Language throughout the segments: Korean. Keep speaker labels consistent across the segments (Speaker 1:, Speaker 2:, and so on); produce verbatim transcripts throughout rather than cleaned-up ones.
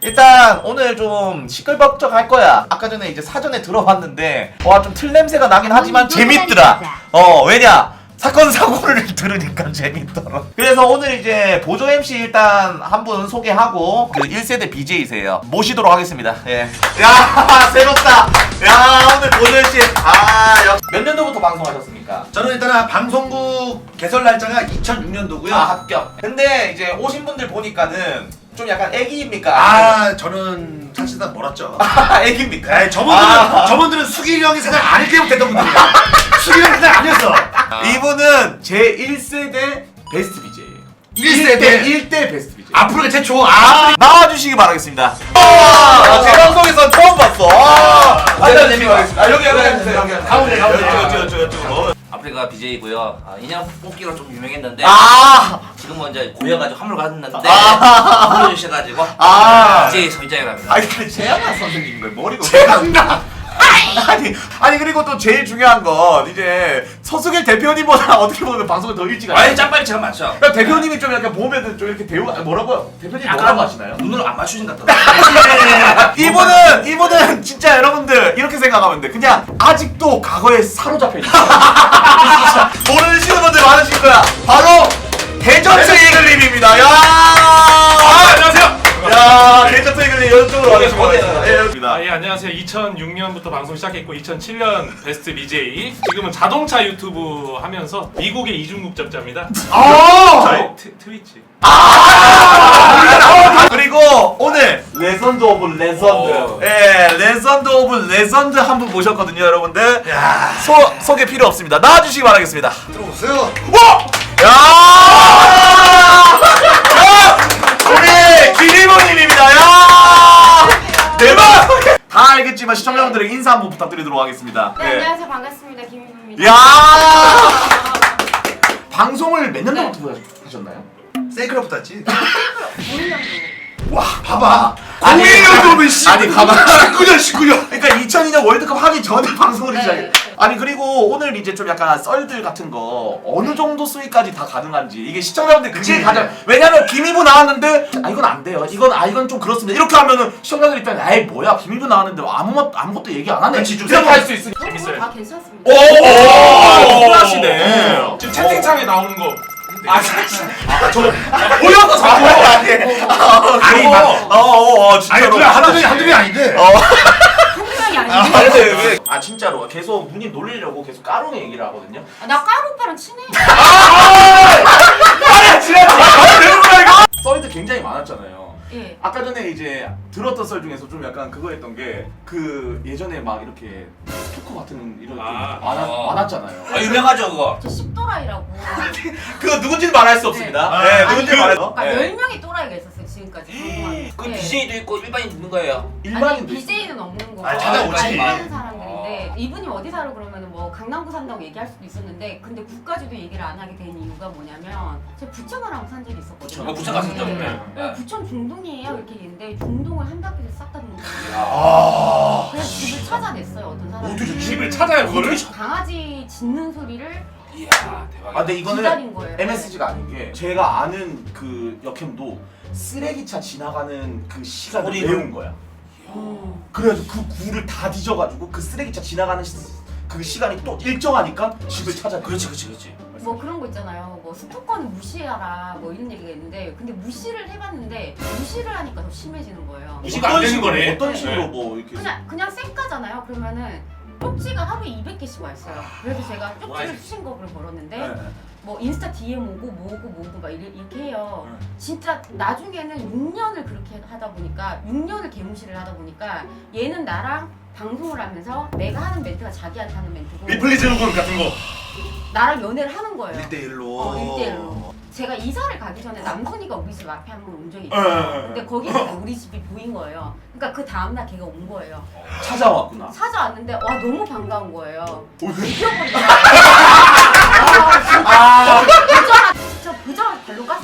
Speaker 1: 일단 오늘 좀 시끌벅적할 거야. 아까 전에 이제 사전에 들어봤는데 와 좀 틀 냄새가 나긴 하지만 재밌더라. 어 왜냐? 사건 사고를 들으니까 재밌더라. 그래서 오늘 이제 보조 엠씨 일단 한 분 소개하고 그 일 세대 비제이세요. 모시도록 하겠습니다. 예. 야 새롭다. 야 오늘 보조 엠씨 아몇 년도부터 방송하셨습니까?
Speaker 2: 저는 일단 방송국 개설 날짜가 이천육 년도고요.
Speaker 1: 아 합격. 근데 이제 오신 분들 보니까는 좀 약간 애기입니까?
Speaker 2: 아 저는 사실상 멀었죠.
Speaker 1: 아 애기입니까?
Speaker 2: 네, 저분들은
Speaker 1: 아.
Speaker 2: 저분들은 수길이 형이 생각 안 했기 때문에 됐던 분들이야. 수길이 형이 생각 아니었어.
Speaker 1: 이분은 제일 세대 베스트 비제이예요.
Speaker 2: 일 세대
Speaker 1: 일 대 베스트 비제이.
Speaker 2: 앞으로가 최초. 아
Speaker 1: 나와주시기 바라겠습니다. 아, 제 방송에서 처음 봤어. 아,
Speaker 2: 아,
Speaker 1: 일단
Speaker 2: 네,
Speaker 1: 재미가 있습니다. 아, 여기 여기 앉으세요. 여기
Speaker 2: 가운데, 가운데.
Speaker 1: 여쭈 여쭈 여쭈 여쭈.
Speaker 3: 아프리카 비제이고요. 아, 인형 뽑기로 좀 유명했는데
Speaker 1: 아,
Speaker 3: 지금은 이제 고여가지고 함을 갔는데
Speaker 1: 아.
Speaker 3: 불러주셔가지고
Speaker 1: 아.
Speaker 3: 비제이 소유자를 합니다.
Speaker 1: 아니 근데 최양락 선생님 거예요. 머리가
Speaker 2: 최강남.
Speaker 1: 아니 아니 그리고 또 제일 중요한 건 이제 서수길 대표님보다 어떻게 보면 방송을 더 일찍
Speaker 3: 아니
Speaker 1: 하시죠.
Speaker 3: 짬빨리처럼 많죠.
Speaker 1: 그러니까 대표님이 좀 이렇게 보면은 좀 이렇게 배우 뭐라고요? 대표님 뭐라고 하시나요?
Speaker 3: 눈으로 안 맞추신 것 같더라고요.
Speaker 1: 이분은 이분은 진짜 여러분들 이렇게 생각하면 돼. 그냥 아직도 과거에 사로잡혀 있어. 모르시는 분들 많으실 거야. 바로 대전트 이글님입니다. 야,
Speaker 4: 아, 안녕하세요.
Speaker 1: 야, 대전트 이글님 이쪽으로 와주시고
Speaker 3: 어디에요?
Speaker 1: 있습니다. 예, 여기입니다.
Speaker 4: 아, 예, 안녕하세요. 이천육 년부터 방송 시작했고 이천칠 년 베스트 비제이. 지금은 자동차 유튜브 하면서 미국의 이중국적자입니다.
Speaker 1: 아,
Speaker 4: 트, 트위치.
Speaker 1: 아, 그리고 오늘 레전드 오브 레전드,
Speaker 4: 오.
Speaker 1: 예, 레전드 오브 레전드 한 분 모셨거든요, 여러분들.
Speaker 2: 야
Speaker 1: 소 소개 필요 없습니다. 나와주시기 바라겠습니다.
Speaker 2: 들어오세요.
Speaker 1: 와! 야! 야! 우리 김일모님입니다. 야! 대박! 다 알겠지만 시청자분들에게 인사 한번 부탁드리도록 하겠습니다.
Speaker 5: 네, 안녕하세요. 반갑습니다. 김민우입니다.
Speaker 1: 야! 방송을 몇 년도부터 하셨나요?
Speaker 2: 세이크로부터 했지.
Speaker 5: 오일 년도.
Speaker 2: 와 봐봐.
Speaker 1: 아니,
Speaker 2: 공일 년도면 씨.
Speaker 1: 아니, 가만-
Speaker 2: 십구 년 십구 년.
Speaker 1: 그러니까 이천이 년 월드컵 하기 전에 방송을
Speaker 5: 네.
Speaker 1: 시작해. 아니 그리고 오늘 이제 좀 약간 썰들 같은 거 어느 정도 수위까지 다 가능한지 이게 시청자분들 그게
Speaker 2: 그치.
Speaker 1: 가장 왜냐면 김이부 나왔는데 아 이건 안 돼요. 이건 아 이건 좀 그렇습니다. 이렇게 하면은 시청자들 입장에 에이 뭐야 김이부 나왔는데 아무것 아무것도 얘기 안 하네.
Speaker 2: 그치, 좀
Speaker 1: 이렇게
Speaker 2: 생각-
Speaker 1: 할 수 있으니.
Speaker 4: 재밌어요.
Speaker 5: 다 괜찮습니다.
Speaker 1: 오, 훌하시네.
Speaker 4: 지금 채팅창에 나오는 거.
Speaker 1: 아, 저 보여서 자꾸 아니
Speaker 2: 아니, 막-
Speaker 1: 어어
Speaker 2: 아니
Speaker 1: 진짜로
Speaker 2: 그래 한두 명이 한두 명이 아닌데.
Speaker 1: 어.
Speaker 5: 한명이
Speaker 1: 아,
Speaker 5: 아닌데.
Speaker 1: 근데 왜? 아 진짜로 계속 누님 놀리려고 계속 까롱이 얘기를 하거든요.
Speaker 5: 아, 나 까루 오빠랑 친해.
Speaker 1: 아니 지났지. 아 내가 이거. 썰도 굉장히 많았잖아요.
Speaker 5: 예.
Speaker 1: 아까 전에 이제 들었던 썰 중에서 좀 약간 그거 했던 게 그 예전에 막 이렇게 스토커 같은 이런 좀
Speaker 4: 아.
Speaker 1: 많았,
Speaker 3: 어.
Speaker 1: 많았잖아요.
Speaker 3: 아 유명하죠 그거.
Speaker 5: 저 씹도라이라고.
Speaker 1: 그거 누군지는 말할 수 없습니다.
Speaker 2: 네.
Speaker 1: 네,
Speaker 2: 아니,
Speaker 1: 누군지 말할 수.
Speaker 5: 그러니까
Speaker 1: 네.
Speaker 5: 열 명의 또라이가 있었어요. 지금까지 방송하는.
Speaker 3: 그
Speaker 5: 예.
Speaker 3: 비제이도 있고 일반인 있는 거예요.
Speaker 5: 아니
Speaker 1: 일반인도
Speaker 5: 비제이는 없는 거고
Speaker 2: 아니, 찾아오지.
Speaker 5: 알바하는 사람들인데 이분이 어디 살아 그러면 뭐 강남구 산다고 얘기할 수도 있었는데 근데 구까지도 얘기를 안 하게 된 이유가 뭐냐면 제가 부천을 산 적이 있었거든요.
Speaker 3: 어, 부천 갔었죠.
Speaker 5: 네.
Speaker 4: 네.
Speaker 5: 네, 부천 중동이에요 이렇게 얘기했는데 중동을 한 바퀴를 싹 다 도는 거예요.
Speaker 2: 아.
Speaker 5: 그래서 집을 찾아냈어요 어떤 사람이.
Speaker 2: 어떻게
Speaker 4: 집을 찾아요 그거를?
Speaker 5: 강아지 짖는 소리를
Speaker 3: 이야
Speaker 1: 아
Speaker 3: 대박.
Speaker 1: 근데 이거는
Speaker 5: 기다린 거예요.
Speaker 1: 엠에스지가 아닌 게 제가 아는 그 역캠도 쓰레기차 지나가는 그 시간을
Speaker 3: 소리를?
Speaker 1: 외운 거야.
Speaker 5: 음.
Speaker 1: 그래가지고 그 구를 다 뒤져가지고 그 쓰레기차 지나가는 시, 그 시간이 또 일정하니까 집을 찾아.
Speaker 3: 그렇지 그렇지 그렇지.
Speaker 5: 뭐 그런 거 있잖아요. 뭐 스토커는 무시하라 뭐 이런 얘기가 있는데 근데 무시를 해봤는데 무시를 하니까 더 심해지는 거예요.
Speaker 4: 무시가 안 되는
Speaker 1: 식으로,
Speaker 4: 거네.
Speaker 1: 어떤
Speaker 5: 네.
Speaker 1: 식으로 뭐 이렇게.
Speaker 5: 그냥 그냥 쌩까잖아요. 그러면은 쪽지가 하루에 이백 개씩 와 있어요. 그래서 제가 쪽지를 수신 거를 걸었는데
Speaker 1: 네.
Speaker 5: 뭐 인스타 디엠 오고 뭐고 뭐고 막 이렇게, 이렇게 해요.
Speaker 1: 네.
Speaker 5: 진짜 나중에는 육 년을 그렇게 하다 보니까 육 년을 개무시를 하다 보니까 얘는 나랑 방송을 하면서 내가 하는 멘트가 자기한테 하는 멘트고
Speaker 2: 리플리즈 군 같은 거.
Speaker 5: 나랑 연애를 하는 거예요.
Speaker 2: 일 대 일로.
Speaker 5: 어, 일 대 일로. 제가 이사를 가기 전에 남순이가 우리 집 앞에 한 번 온 적이
Speaker 1: 네,
Speaker 5: 있어요.
Speaker 1: 네, 네.
Speaker 5: 근데 거기서 우리 집이 보인 거예요. 그러니까 그 다음날 걔가 온 거예요.
Speaker 1: 찾아왔구나.
Speaker 5: 찾아왔는데 와 너무 반가운 거예요.
Speaker 1: 왜?
Speaker 5: 이겨버리더라고요. 아, 진짜.
Speaker 1: 아,
Speaker 5: 보자마자 진짜 보자마자 발로 깠어요.
Speaker 1: 와.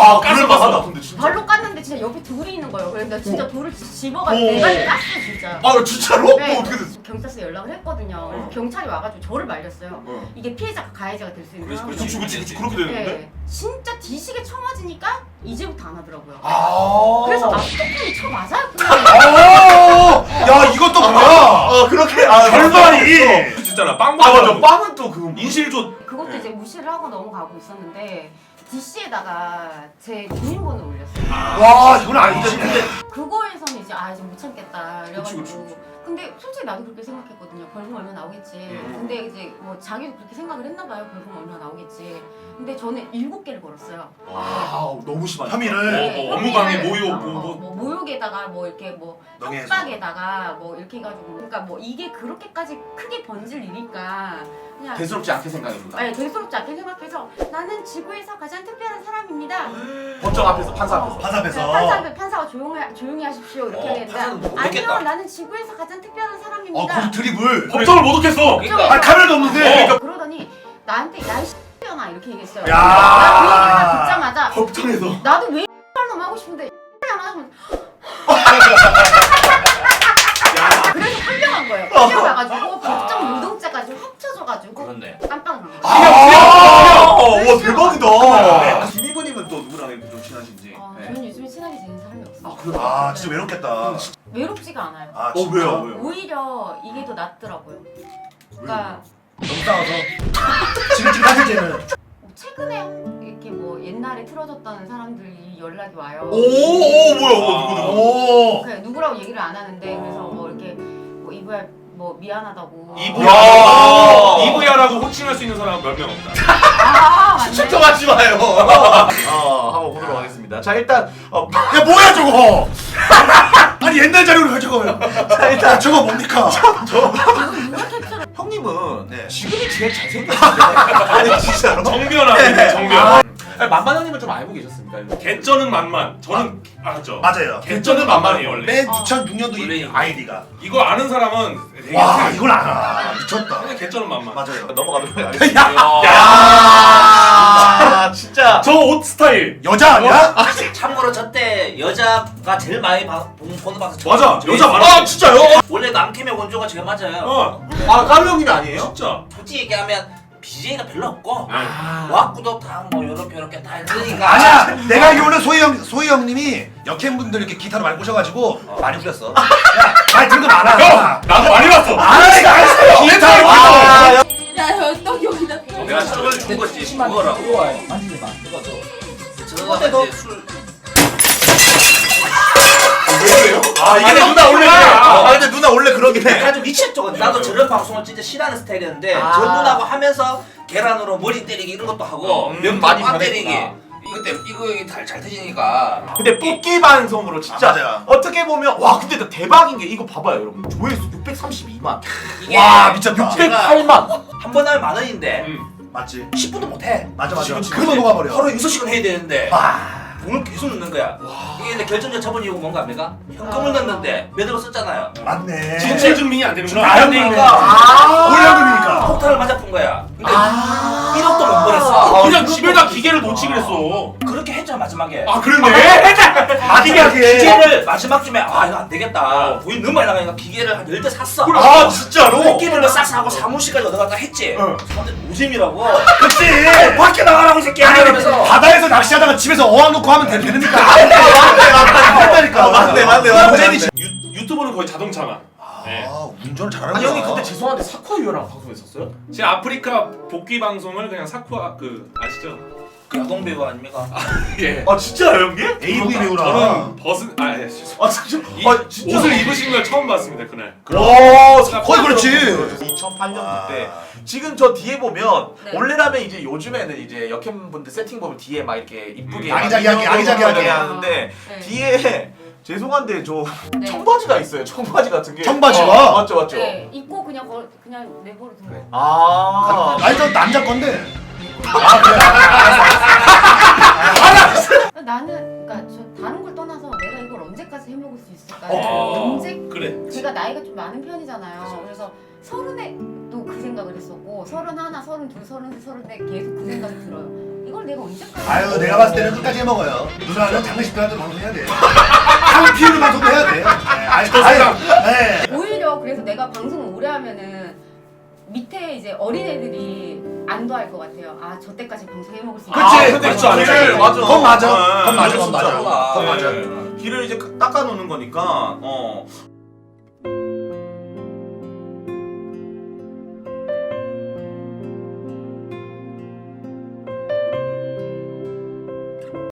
Speaker 2: 아
Speaker 4: 가스
Speaker 2: 그럴만하다
Speaker 4: 봤어.
Speaker 2: 근데 진짜.
Speaker 5: 발로 깠는데 진짜 옆에 돌이 있는 거예요. 그래서 나 진짜 돌을 집어가지고
Speaker 2: 오.
Speaker 5: 내가 깠어 진짜.
Speaker 2: 아 진짜로?
Speaker 5: 네.
Speaker 2: 뭐 어떻게 됐어?
Speaker 5: 경찰서에 연락을 했거든요. 그래서 경찰이 와가지고 저를 말렸어요.
Speaker 2: 어.
Speaker 5: 이게 피해자가 가해자가 될 수 있는
Speaker 3: 그렇지,
Speaker 5: 상황이에요.
Speaker 2: 그치 그치 그치 그렇게 되는데?
Speaker 5: 네. 진짜 뒤시게 쳐맞으니까 이제부터 안 하더라고요.
Speaker 2: 아.
Speaker 5: 그래서 아 스토킹이 쳐 맞아였구나.
Speaker 2: 아. 야 이것도 뭐야?
Speaker 1: 어 그렇게 아
Speaker 2: 결말이.
Speaker 4: 진짜나 빵
Speaker 2: 아
Speaker 4: 먹어.
Speaker 2: 맞아 빵은 또 그거.
Speaker 4: 인실조.
Speaker 5: 그것도 이제 무시를 하고 넘어가고 있었는데 디씨에다가 제 주민번호 올렸어요.
Speaker 2: 와 이건 아니지. 근데
Speaker 5: 그거에서는 이제 아 이제 못 참겠다 그래가지고
Speaker 2: 그치, 그치,
Speaker 5: 근데 솔직히 나도 그렇게 생각했거든요. 벌금 얼마 나오겠지.
Speaker 2: 음.
Speaker 5: 근데 이제 뭐 자기도 그렇게 생각을 했나봐요. 벌금 얼마 나오겠지. 근데 저는 일곱 개를 걸었어요.
Speaker 2: 아 너무 심하다.
Speaker 4: 어,
Speaker 2: 혐의를.
Speaker 4: 어, 업무방해,
Speaker 5: 혐의를,
Speaker 4: 모욕,
Speaker 5: 어,
Speaker 4: 뭐,
Speaker 5: 어,
Speaker 4: 뭐.
Speaker 5: 뭐 모욕에다가 뭐 이렇게 뭐
Speaker 2: 명예훼손.
Speaker 5: 협박에다가 뭐 이렇게 해가지고 그러니까 뭐 이게 그렇게까지 크게 번질 일이니까 그냥
Speaker 1: 대수롭지 않게 생각합니다.
Speaker 5: 네, 대수롭지 않게 생각해서 나는 지구에서 가장 특별한 사람입니다.
Speaker 1: 법정 앞에서 판사 앞에서.
Speaker 2: 판사 앞에서.
Speaker 5: 네, 판사, 판사가 조용히, 조용히 하십시오 이렇게
Speaker 3: 어,
Speaker 5: 했는데
Speaker 3: 판사는 못
Speaker 5: 아니요
Speaker 3: 믿겠다.
Speaker 5: 나는 지구에서 가장 특별한
Speaker 2: 어
Speaker 5: 사람입니다.
Speaker 2: 그 드립을.
Speaker 4: 법정을 못 얻겠어.
Speaker 3: 그러니까.
Speaker 2: 아 카메라도 없는데.
Speaker 4: 어.
Speaker 5: 그러더니 나한테 야이 X년아 이렇게 얘기했어요.
Speaker 2: 야.
Speaker 5: 나그 얘기를 듣자마자
Speaker 2: 법정에서.
Speaker 5: 나도 왜 X놈 하고 싶은데 X년 하면 그래서 끌려간 거예요. 끌려가가지고 법정 노동자까지 합쳐져가지고
Speaker 3: 그렇네.
Speaker 5: 깜빡 놀란 거예요.
Speaker 2: 아.
Speaker 1: 와 대박이다.
Speaker 2: 네.
Speaker 1: 김희부님은 또 누구랑 이렇게 좀 친하신지.
Speaker 5: 어,
Speaker 1: 네.
Speaker 5: 저는 요즘에 친하게 지내는 사람이 없어요.
Speaker 1: 그래요?
Speaker 2: 아 진짜 외롭겠다.
Speaker 5: 외롭지가 않아요.
Speaker 2: 아
Speaker 1: 어
Speaker 2: 진짜?
Speaker 1: 왜요 왜요?
Speaker 5: 오히려 이게 더 낫더라고요. 그러니까
Speaker 2: 너무 싸워서. 지금 지금 사실제는.
Speaker 5: 뭐 최근에 이렇게 뭐 옛날에 틀어졌던 사람들이 연락이 와요.
Speaker 1: 오오 뭐야 뭐 누구 누구?
Speaker 2: 오.
Speaker 5: 그냥 누구라고 얘기를 안 하는데 그래서 뭐 이렇게 뭐 이브야 뭐 미안하다고.
Speaker 4: 이브야. 이브야라고 호칭할 수 있는 사람은 몇 명 없다.
Speaker 5: 아 맞네.
Speaker 1: 추측하지 마요. 어 한번 보도록 하겠습니다. 자 일단 어,
Speaker 2: 야 뭐야 저거? 아니 옛날 자료를 왜 저거요? 자 일단 저거 뭡니까?
Speaker 5: 이거 누가 캡처를?
Speaker 1: 형님은
Speaker 2: 네.
Speaker 1: 지금이 제일 잘생겼는데. 아니 진짜로.
Speaker 4: 정변아. 정변.
Speaker 1: 아니, 만만 형님은 좀 알고 계셨습니까? 이거?
Speaker 4: 개쩌는 만만. 저는 알았죠.
Speaker 2: 맞아요.
Speaker 4: 개쩌는 만만이에요 원래.
Speaker 2: 맨
Speaker 5: 어.
Speaker 2: 이천육 년도 이
Speaker 3: 원래
Speaker 2: 아이디가.
Speaker 4: 이거 아는 사람은 되게
Speaker 2: 와
Speaker 4: 세.
Speaker 2: 이걸 알아. 미쳤다.
Speaker 4: 그냥 개쩌는 만만.
Speaker 2: 맞아요.
Speaker 1: 넘어가도록 하겠습니다.
Speaker 3: 야.
Speaker 1: 아 진짜.
Speaker 4: 저 옷 스타일.
Speaker 2: 여자 아니야?
Speaker 3: 참고로 저때 여자가 제일 많이 봐- 본 번호 봐서 저-
Speaker 4: 맞아.
Speaker 3: 저희-
Speaker 4: 여자 많아.
Speaker 1: 아 진짜요?
Speaker 3: 원래 남캠의 원조가 제가 맞아요.
Speaker 4: 어.
Speaker 1: 아 까루 형님이 아니에요?
Speaker 4: 진짜.
Speaker 3: 솔직히 얘기하면 비제이가 별로 없고
Speaker 1: 아.
Speaker 3: 왁구도 다 뭐 요렇게 요렇게 다 있으니까.
Speaker 2: 아니야. 내가 알기로는 소희 형 소희 형님이 역행분들 이렇게 기타를 많이 꼬셔가지고 많이 불렸어. 야, 많이 들은 거 많아.
Speaker 4: 형. 나도 많이 봤어.
Speaker 2: 아이 알았어요. 기타를
Speaker 1: 아,
Speaker 2: 꼬셔.
Speaker 1: 야.
Speaker 5: 야 또 여기다.
Speaker 3: 내가 저걸 준 거지. 그거라고.
Speaker 1: 만지지 마.
Speaker 3: 이거 저. 저거 이제 술.
Speaker 1: 왜요?
Speaker 4: 아 이게 누나 원래 그래.
Speaker 1: 아 근데 누나 원래 그러긴 해.
Speaker 3: 약간 좀 미쳤죠. 나도 저런 방송을 진짜 싫어하는 스타일이었는데
Speaker 1: 아.
Speaker 3: 저 누나하고 하면서 계란으로 머리 때리기 이런 것도 하고
Speaker 1: 음,
Speaker 3: 면
Speaker 1: 많이
Speaker 3: 빵
Speaker 1: 변했구나.
Speaker 3: 때리기. 이거 때 이거 이게 잘, 잘 터지니까.
Speaker 1: 근데 뽑기 방송으로 진짜
Speaker 2: 아, 맞아요.
Speaker 1: 어떻게 보면 와 근데 나 대박인 게 이거 봐봐요 여러분 조회수 육백삼십이만
Speaker 3: 이게
Speaker 2: 와 미쳤다.
Speaker 1: 육백팔만
Speaker 3: 한 번 하면 만 원인데
Speaker 4: 음.
Speaker 2: 맞지.
Speaker 3: 십 분도 못 해.
Speaker 2: 맞아 맞아.
Speaker 1: 지금, 지금
Speaker 2: 그거 녹아 버려.
Speaker 3: 하루에 여섯 시간 해야 되는데
Speaker 2: 와.
Speaker 3: 돈을 계속 넣는 거야. 이게 근데 결정적 처분 이유가 뭔가 압니까? 현금을 넣는데 매대로 썼잖아요.
Speaker 2: 맞네.
Speaker 4: 진실 증명이 안 되는구나.
Speaker 2: 안
Speaker 3: 되니까.
Speaker 2: 되니까. 올연금이니까.
Speaker 3: 폭탄을 맞아픈 거야. 근데
Speaker 1: 아.
Speaker 3: 일억도 못
Speaker 4: 아,
Speaker 3: 벌었어.
Speaker 4: 그냥 집에다 기계를 놓지 그랬어.
Speaker 3: 그렇게 했잖아 마지막에.
Speaker 4: 아 그랬네.
Speaker 2: 마지막에.
Speaker 3: 기계를 마지막쯤에 아 이거 안 되겠다. 돈이 너무 많이 나가니까 기계를 한 열 대 샀어.
Speaker 1: 아 진짜로?
Speaker 3: 끼리를 싹 사고 사무실까지 얻어갔다 했지.
Speaker 2: 어.
Speaker 3: 사람들 노잼이라고.
Speaker 2: 그치.
Speaker 3: 밖에 나가라고 이 새끼야.
Speaker 2: 아니
Speaker 3: 이러면서.
Speaker 2: 바다에서 낚시하다가 집에서 어항 놓고 하면 되- 되니까.
Speaker 1: 맞네 맞네
Speaker 2: 맞다니까.
Speaker 1: 맞네 맞네 맞네.
Speaker 4: 유, 유튜브는 거의 자동차만. 네.
Speaker 2: 아 운전을 잘하는
Speaker 1: 아니 형님 그때 죄송한데 사쿠아유랑 방송했었어요?
Speaker 4: 제 아프리카 복귀 방송을 그냥 사쿠아 그 아시죠?
Speaker 3: 그 야동 배우 아닙니까?
Speaker 4: 예.
Speaker 1: 아 진짜요 형님?
Speaker 2: 에이브이 배우라.
Speaker 4: 저는 벗은 아 예. 죄송-
Speaker 1: 아 진짜?
Speaker 4: 이,
Speaker 1: 아 진짜?
Speaker 4: 옷을 입으신 걸 처음 봤습니다 그날.
Speaker 1: 와
Speaker 2: 거의 그렇지.
Speaker 1: 이천팔 년도
Speaker 2: 아.
Speaker 1: 때 지금 저 뒤에 보면
Speaker 5: 네.
Speaker 1: 원래라면 이제 요즘에는 이제 역행분들 세팅 보면 뒤에 막 이렇게 이쁘게
Speaker 2: 음, 아기자기하게,
Speaker 1: 막
Speaker 2: 아기자기하게
Speaker 1: 하는데
Speaker 5: 네.
Speaker 1: 뒤에 죄송한데 저
Speaker 5: 네.
Speaker 1: 청바지가 있어요. 청바지 같은 게.
Speaker 2: 청바지가?
Speaker 1: 어, 맞죠 맞죠.
Speaker 5: 네, 입고 그냥 걸, 그냥 내버려 둔 거예요.
Speaker 1: 아.
Speaker 2: 아니 저 남자 건데.
Speaker 5: 나는 그러니까 저 다른 걸 떠나서 내가 이걸 언제까지 해먹을 수 있을까?
Speaker 4: 어.
Speaker 5: 언제
Speaker 4: 그래.
Speaker 5: 제가 나이가 좀 많은 편이잖아요. 그래서 서른에 또 그 생각을 했었고 서른 하나, 서른 둘, 서른 셋, 서른 넷 계속 그 생각이 들어요. 이걸 내가 언제까지
Speaker 2: 아유 내가 봤을 때는 끝까지 해먹어요. 누나는 장례식 때라도 방송해야 돼. 상 피우는 방송도 해야 돼. 네, 아니, 아니, 네.
Speaker 5: 오히려 그래서 내가 방송을 오래 하면은 밑에 이제 어린애들이 안도할 것 같아요. 아, 저 때까지 방송해 먹을 수 있다.
Speaker 2: 그치?
Speaker 1: 아, 근데
Speaker 2: 그치,
Speaker 1: 길을
Speaker 2: 그치.
Speaker 1: 맞아.
Speaker 2: 그건 맞아.
Speaker 1: 네,
Speaker 2: 그건 맞아,
Speaker 1: 이거
Speaker 2: 그건 맞아.
Speaker 1: 진짜.
Speaker 2: 그건 맞아.
Speaker 1: 네. 길을 이제 닦아놓는 거니까 어